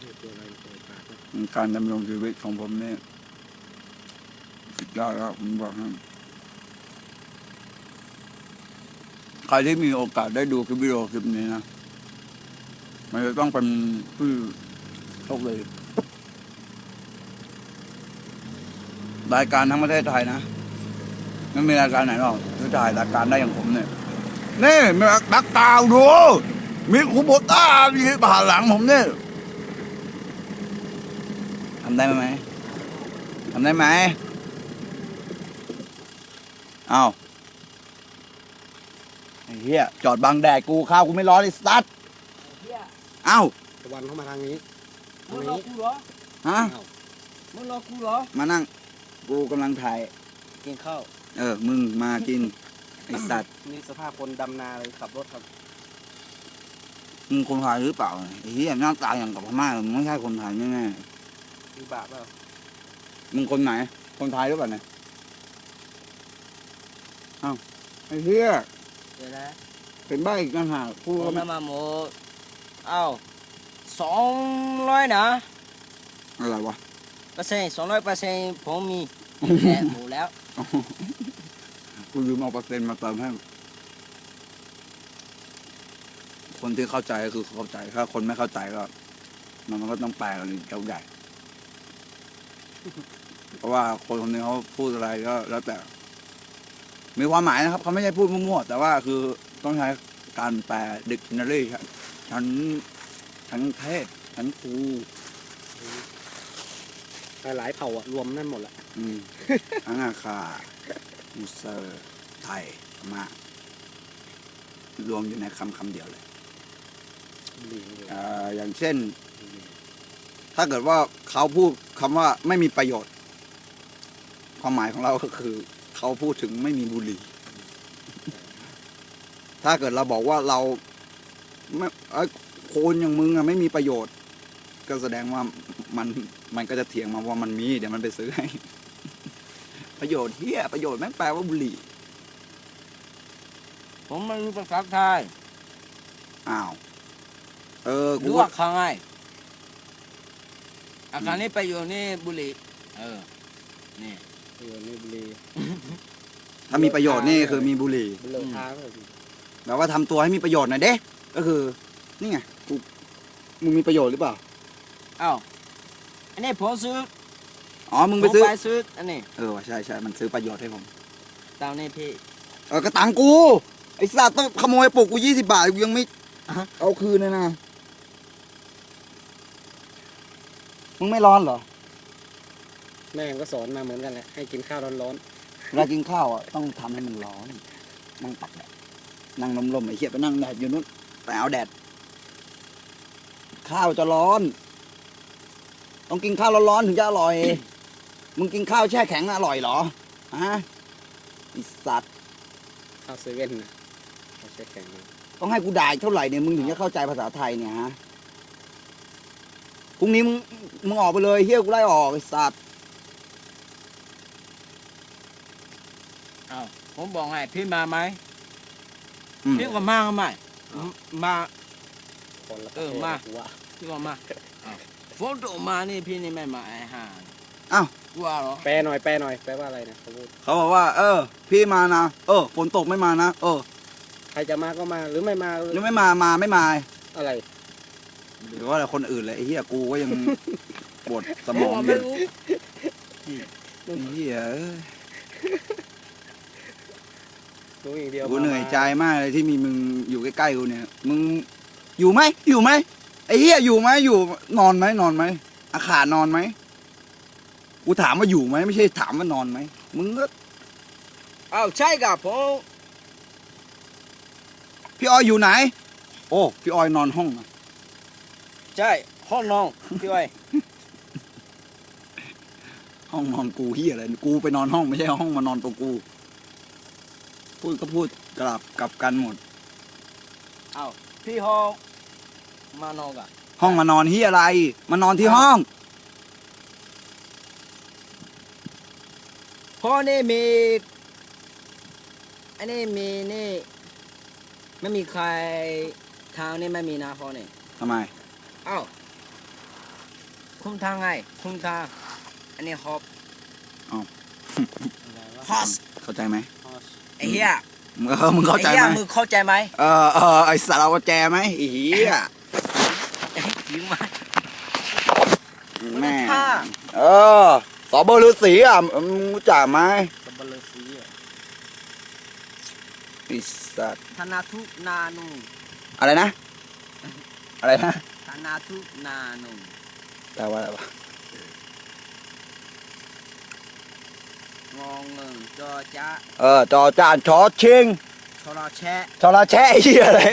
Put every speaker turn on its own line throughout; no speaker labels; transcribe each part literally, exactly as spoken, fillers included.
การดำรงชีวิตของผมเนี่ยสุดยอดแล้วผมบอกให้ใครที่มีโอกาสได้ดูคลิปวิดีโอคลิปนี้นะมันจะต้องเป็นผู้โชคดีรายการทั้งประเทศไทยนะไม่มีรายการไหนหรอกที่ถ่ายรายการได้อย่างผมเนี่ยนี่มีนักกาวดูมีคูโบต้ามีผ่านหลังผมเนี่ยทำได้ไหมทำได้ไหมเอาไอ้เหี้ยจอดบังแดดกูข้าวกูไม่ร้อนเลยสตาร์ทเอ้า
ตะวันเข้ามาทางนี้
มึงรอกูเหรอ
ฮะ
มึงรอกูเหรอ
มานั่งกูกำลังถ่าย
กินข้าว
เออมึงมากินไอ้สัตว์
นี่สภาพคนดำนาเลยขับรถครับ
มึงคนไทยหรือเปล่าไอ้เหี้ยหน้าตาอย่างกับพม่ามึงไม่ใช่คนไทยแน่
ๆมีบาปเปล่า
มึงคนไหนคนไทยหรือเปล่าเนี่ยอ้าวไอ้เหี้ย
เดี๋ยวนะ
เป็นบ้าอีกต่างหากพูด
ก็ไม่มาหมดเอ้าสองร้อยนะ
อะไรวะ
เปอร์เซ็นต์สองร้อยเปอร์เซ็นต์ผมมีแค่หมูแล้ว
กูลืมเอาเปอร์เซ็นต์มาเติมให้คนที่เข้าใจก็คือเข้าใจถ้าคนไม่เข้าใจก็มันมันก็ต้องแปลกันเจ้าใหญ่เพราะว่าคนคนนี้เขาพูดอะไรก็แล้วแต่มีความหมายนะครับเขาไม่ใช่พูดมั่วๆแต่ว่าคือต้องใช้การแปล dictionary ชั้นชั้นเทศชั้นครู
หลายเผ่าอะรวมนั่นหมดแหละ
อืมอังอาคามูเซอร์ไทยมารวมอยู่ในคำคำเดียวเลยอ่าอย่างเช่นถ้าเกิดว่าเขาพูดคำว่าไม่มีประโยชน์ความหมายของเราก็คือเขาพูดถึงไม่มีบุหรี่ถ้าเกิดเราบอกว่าเราไม่โคนอย่างมึงอะไม่มีประโยชน์ก็แสดงว่ามันมันก็จะเถียงมาว่ามันมีเดี๋ยวมันไปซื้อให้ประโยชน์เฮียประโยชน์แม่งแปลว่าบุหรี่
ผมไม่รู้ภาษาไทย
อ้าวเออกู
รู้ว่าครั้งไงอาการนี้ไปอยู่นี่บุหรี่เออนี่
อยู่นี่บุหรี่
ถ้ามีประโยชน์นี่คือมีบุหรี่
บุหรี่ท้า
แบบว่าทำตัวให้มีประโยชน์หน่อยเด้ก็คือนี่ไงกูมึงมีประโยชน์หรือเปล่า
อ้าวอันนี้ผมซื้อ
อ๋อมึงไปซื้อ
ไปซื้ออันนี้
เออใช่ใช่มันซื้อประโยชน์ให้ผม
ตังนี่พี่
เออกระตังกูไอ้สัตว์ต้องขโมยปลุกกูยี่สิบบาทกูยังไม่เอาคืนเลยนะมึงไม่ร้อนเหรอ
แม่ก็สอนมาเหมือนกันแหละให้กินข้าวร้อน
ๆเวลากินข้าวอ่ะต้องทำให้มันร้อนนั่งตักแดดนั่งลมๆไอ้เหี้ยไปนั่งแดดอยู่นู้นไปเอาแดดข้าวจะร้อนต้องกินข้าวร้อนๆถึงจะอร่อยมึงกินข้าวแช่แข็งอร่อยเหรอฮะไอ้สัตว์
ข้าวเซเว่นนะข้าวแช่แข็ง
ต้องให้กูด่าเท่าไหร่เนี่ยมึงถึงจะเข้าใจภาษาไทยเนี่ยฮะพรุ่งนี้มึงมึงออกไปเลยเฮี้ยกูไล่ออกไอ้สัตว์
อ้าวผมบอกให้พี่มาไหมพี่ก็มาไหมมาเออมาพี่ก็มาฝนตกมานี่พี่นี่ไม่มาไอ้ห่า
อ้าว
กลัวเหรอ
แปลหน่อยแปลหน่อยแปลว่าอะไรนะเขาพูด
เขาบอกว่าเออพี่มานะเออฝนตกไม่มานะเออ
ใครจะมาก็มาหรือไม่มา
หรือไม่มามาไม่มา
อะไร
หรือว่าอะไรคนอื่นเลยไอ้เหี้ยกูก็ยังปวดสมองอยู่ไอ้เหี้ยกูเหนื่อยใจมากเลยที่มีมึงอยู่ใกล้ๆกูเนี่ยมึงอยู่ไหมอยู่ไหมไอ้เหี้ยอยู่ไหมอยู่นอนไหมนอนไหมอาขานอนไหมกูถามว่าอยู่ไหมไม่ใช่ถามว่านอนไหมมึงก็
อ้าวใช่กับผม
พี่ออยอยู่ไหนโอ้พี่ออยนอนห้องนะ
ใช่ห้องนอนพี่ออย
ห้องนอนกูเหี้ยอะไรกูไปนอนห้องไม่ใช่ห้องมานอนตัวกูพูดก็พูดกลับกลับกันหมด
อ้าวพี่ห้องมานอนกะ
ห้องมานอนเหี้ยอะไรมานอนที่ห้อง
พ่อนี่มีอันนี้มีนี่ไม่มีใครทางนี่ไม่มีนะพ่อนี่
ทำไม
อ้าวคุ้มทางไงคุ้มทางอันนี้ฮอบ
อะไรวะ
ฮอส
เข้าใจไหม
ฮอส
ไอ้เหี้ย
เออมึงเข้าใจ
ไอ้
ไห
เหี้ย
ม
มึงเข้าใจไหม
เออเออไอสารวัตรแจไหมไอ้เหี้ย
ยิงมา
แม่
ท่า
เออสอบฤาษีอ่ะมึงรู้จักไหม
สับปะเลอสีอะ
ไอ้สัตว์
ธนาทุนานุ
อะไรนะ อะไรนะ
ธนาทุนานุ
แปลว่าอะไรวะ
งอเงินจอจ้า
เออจอจานชอชิง
ชรอแชะ
ชอลาแช่ไอ้เหี้ยอะไร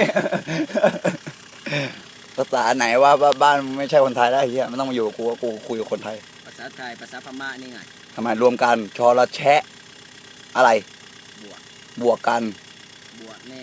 ภาษาไหนว่าบ้านไม่ใช่คนไทยแล้วไอ้เหี้ยไม่ต้องมาอยู่กับกูว่ากูคุยกับคนไทย
ภาษาไทยภาษาพม่านี่ไง
ทำไมรวมกันชอลาแช่อะไร
บวก
บวกกัน
บวกแน่